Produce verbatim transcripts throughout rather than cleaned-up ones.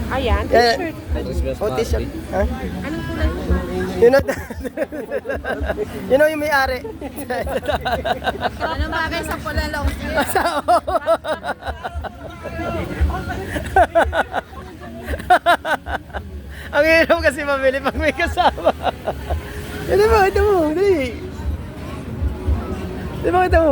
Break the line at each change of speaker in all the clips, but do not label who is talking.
Ayan, t-shirt.
Oh, t-shirt. Ha?
Anong kulay po?
Yun o. Yun o yung may-ari.
Anong bagay sa pula long sleeve?
Ang hirap kasi mamili pag may kasama. Ito mo, ito mo, dali. Ito mo, ito mo.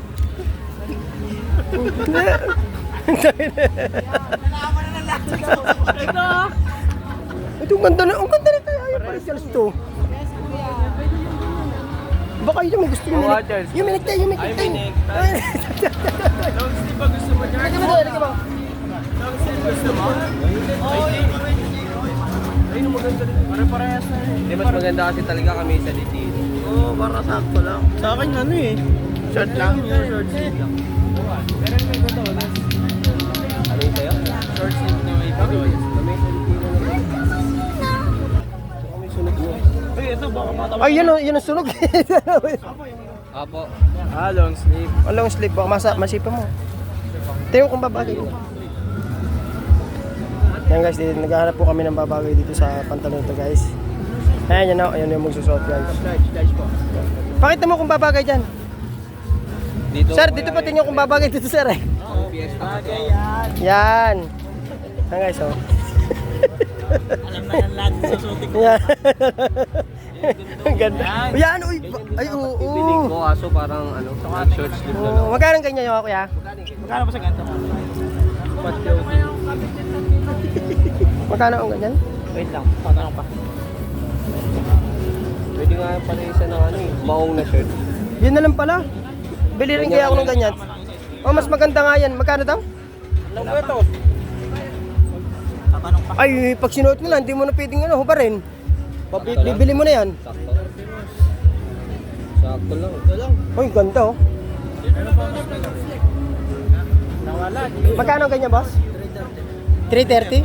Ito, ang ganda na, ang ganda na tayo. Ayaw pa rin Charles to. Baka yun may gusto yung minik. Yung minik tayo, yung minik tayo.
Long sleeve ba gusto mo dyan?
Lagyan mo doon, lagyan mo.
Long sleeve gusto mo? Oo, yun. Ayun, maganda rin. Pare-parehas na rin.
Hindi, mas maganda kasi talaga kami sa dito.
Oo, para sakto lang. Sa akin ano eh. Short lang. Short sleeve lang. Pero may gusto ko lang.
Ano yung sa'yo?
Short sleeve na may bagoy.
Kami sa dito na rin. Kami sunod mo.
Uy, ito baka matawa.
Ay, yun o, yun ang sunog.
Apo.
Ah, long sleeve.
Ang long sleeve, baka masa, masipa mo. Tingnan kung babagay. Yan guys, dito, naghahanap po kami ng babagay dito sa pantalon ito guys. Ayan yan o, ayan yung magsusuot guys.
Large, large po.
Pakita mo kung babagay dyan.
Dito.
Sir, dito pa tingnan kung babagay dito sir eh.
Ang fiesta.
Bagay yan.
Yan. Yan guys oh.
Alam na yan lahat sa sutik ko.
Yan. Ang ganda. Yan, uy. Ay, oo.
Pipinig ko aso parang ano, short sleeve na lang.
Oh, magkano ganyan yung kuya?
Magkano pa sa ganito?
Magkano ang ganyan?
Wait lang, patanong pa.
Pwede nga pala isa ng ano eh, maong na shirt.
Yun na lang pala. Bili rin kaya ako ng ganyan. Oh, mas maganda nga yan. Magkano daw?
Ilang ba ito? Tatanong pa.
Ay, pag sinuot mo lang, hindi mo na pwedeng ano, hubarin.
Sakto lang.
Bibili mo na yan.
Sakto. Sakto lang.
Uy, ganda oh.
Nawala.
Magkano ang ganyan, boss? three thirty?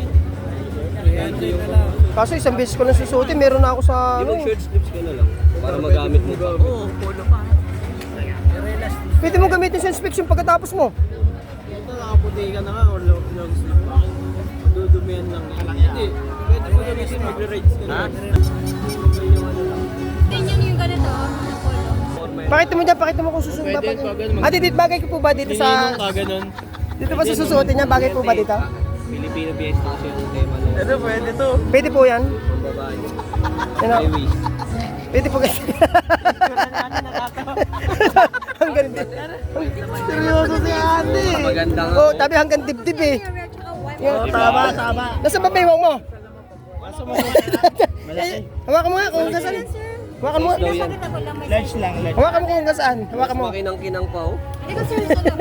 Kaso isang beses ko lang susuotin, meron na ako sa
Di
ano.
mag short sleeves ka na lang. Para magamit mo pa.
Oo, polo pa.
Pwede mo gamitin sa inspection pagkatapos mo.
Ito nakaputi ka na nga or long, long sleeve. Madudumihan lang. Hindi. Pwede mo gamitin magre-rides ka na.
Tingnan niyo yung ganito, na polo.
Pakita mo dyan, pakita mo kung susuot ba.
Pwede, pag ano, mag-
Ah, dito bagay ko po ba dito sa...
Nininong ka ganun.
Dito ba sa susuotin niya, bagay po ba dito?
Filipino fiesta kasi yung tema na
Ito pwede to.
Pwede po yan.
pang babae.
Yan
High
o.
waist.
Pwede po guys. Ang ganda.
Seryoso si ate.
Maganda nga.
Oh, tabi hanggang dibdib eh. Yan.
Oh, tama, tama.
Nasa babaywang mo.
Kaso mo
Eh, hawakan mo nga kung hanggang saan. Hawakan mo nga.
Daw yan.
large lang, large.
Hawakan mo kung hanggang saan. Hawakan mo.
Makinang-kinang pa oh.
Ikaw seryoso lang.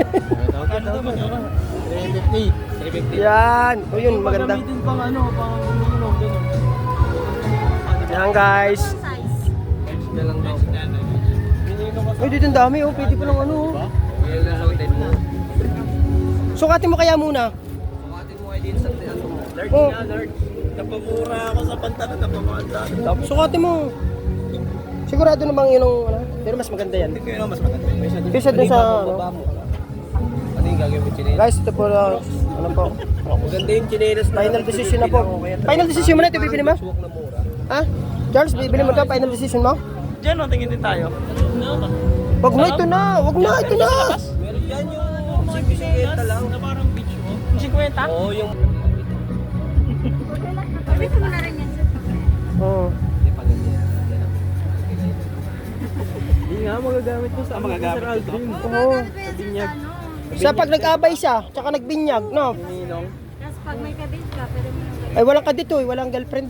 three fifty.
three fifty.
Yan. O yun, maganda.
Gamitin pang ano, pang ano, ganun.
Yan guys.
Size.
Na lang daw.
Uy, dito ang dami oh. Pwede pa lang ano oh.
Yan lang suotin mo.
Sukatin mo kaya muna.
Sukatin mo kayo din sa ano mo.
Large
Oh.
nga, large. Napamura ako sa pantalon, napamura.
Sukatin mo. Sigurado na bang yun ang ano? Pero mas maganda yan.
Hindi ko yun ang mas maganda. May isa dito.
Kesa dun sa ano.
Ano yung gagawin mo chinelas?
Guys, ito po uh, ano po.
Maganda yung chinelas na.
Final decision na po. Final decision mo na ito, bibili mo?
Suwak na mura.
Ha? Charles, bibili mo ito? Final decision mo?
Diyan, no, tingin din tayo.
Wag na, ito na! Wag na, ito na!
Meron yan yung sipisikwenta lang.
Na parang beach mo. fifty?
Oo, yung...
Pwede mo na rin yan, sir.
Oo.
Hindi pa ganyan.
Hindi nga, magagamit mo sa magagamit Sir Aldrin.
Oo.
Magagamit mo yan, sir, sa ano.
Sa pag nag-abay siya, tsaka nagbinyag, no?
Ninong.
Tapos pag may kabit ka, pwede mo nang gawin.
Ay, walang ka dito eh, walang girlfriend.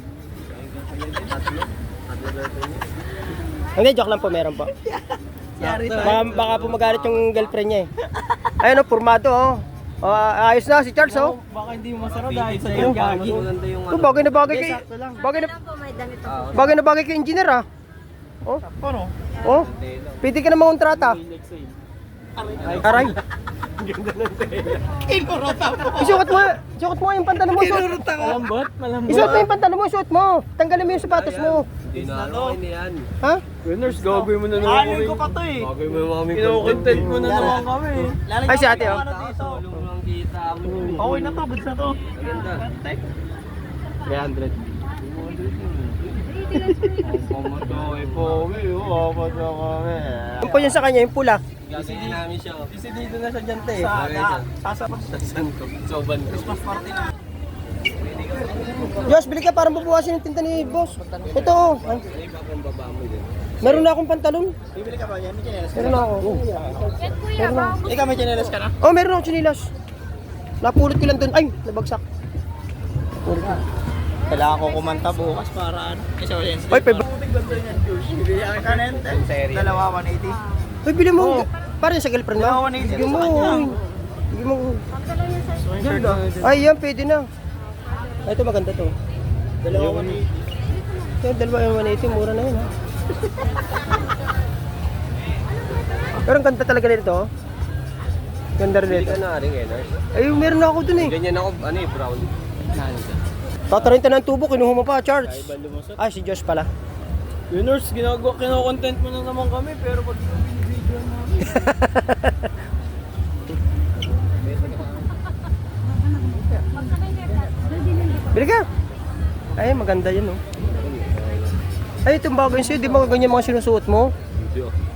Hindi, joke lang po, meron po.
Yari
Baka, baka po magalit yung girlfriend niya eh. Ayun o, formado oh. Oh, ayos na si Charles oh.
Baka hindi mo masarap dahil sa
Yung
yung
gagi.
gagi.
Maganda yung
Oh,
ano.
bagay na bagay kay...
Sakto lang.
Bagay na,
Lang po, may damit ako.
Ah,
bagay na bagay kay engineer ah. Oh,
Ano?
oh. Pwede ka na mangontrata. Aray.
Kinurota mo.
Isuot mo, isuot mo yung pantalon mo. Isuot,
Kinurota ko. Malambot, malambot.
isuot mo yung pantalon mo, isuot mo. Tanggalin mo yung sapatos mo.
Hindi na ano kayo niyan.
Ha?
Winners, gagawin mo na naman kami. ko pa to eh.
Gagawin mo yung mga
Kino-content mo na naman kami.
Ay, si ate, oh.
Sulong lang kita mo.
Okay na to, goods na to.
Maganda.
three hundred. Pamatoy po, may uwapa sa kami.
Yung po yun sa kanya, yung pula.
Kasi namin siya. Kasi dito na siya dyan, te. Sa, sasapas. Saan ko? Soban ko. Christmas party na.
Diyos, bili ka parang bubuhasin yung tinta ni boss. Ito oh. Ay,
May iba kong baba mo din.
meron na akong pantalon.
Bibili ka ba yan? May chinelas ka
Meron na ako.
Yan kuya,
Meron na.
baka
Ikaw may chinelas ka na?
Oh, meron ako chinilas. Napulot ko lang doon. Ay, nabagsak. Napulot ko.
Kailangan ko kumanta bukas para ano. Kasi wala yan.
Ay, pebe.
Putik ganda yan, Josh. Bibili ka kanin. Dalawa, one eighty.
Ay, bili mo. Parang sa girlfriend mo.
Dalawa, one eighty.
Bigyan mo. uy. Bigyan mo.
pagkalaw yan sa
Ganda.
Ay, yan, pwede na. Ay, ito maganda to.
Dalawa, one eighty.
Kaya dalawa yung one eighty, mura na yun ha. Pero ang ganda talaga nito. oh. Ganda rin nito.
na rin eh.
Ay, meron na ako dun eh.
Ganyan ako, ano eh, brown.
Tatarin ng tubo, kinuha mo pa, Charles.
Iba lumusot.
Ay, si Josh pala.
Winners, ginagawa, kino-content mo na naman kami, pero pag video namin.
Bili ka. Ay, maganda yun oh. Ay, itong bagay sa'yo, di ba ganyan mga sinusuot mo?
Video.